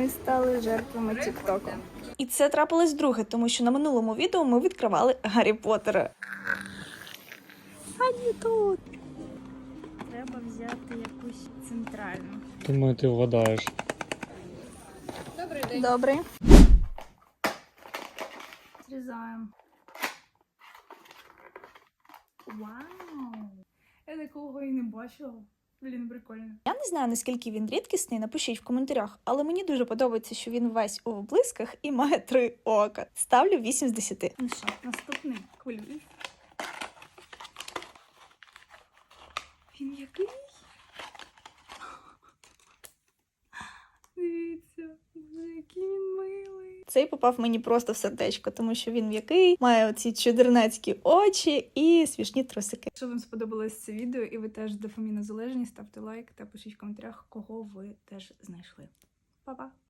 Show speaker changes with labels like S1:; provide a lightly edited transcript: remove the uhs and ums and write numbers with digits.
S1: ми стали жертвами Тік-Току.
S2: І це трапилось вдруге, тому що на минулому відео ми відкривали Гаррі Поттера. А не тут.
S1: Треба взяти якусь центральну.
S3: Думаю, ти вгадаєш.
S1: Добрий день.
S2: Добре.
S1: Зрізаємо. Вау! Я такого і не бачила. Блін, прикольно.
S2: Я не знаю, наскільки він рідкісний, напишіть в коментарях, але мені дуже подобається, що він весь у блисках і має 3 ока. Ставлю 8 з 10.
S1: Ну що, наступний. Хвилююсь. Він який? Дивіться, який він милий.
S2: Цей попав мені просто в сердечко, тому що він м'який, має оці чудернацькі очі і смішні трусики.
S1: Якщо вам сподобалось це відео і ви теж дофамінозалежні, ставте лайк та пишіть в коментарях, кого ви теж знайшли. Па-па!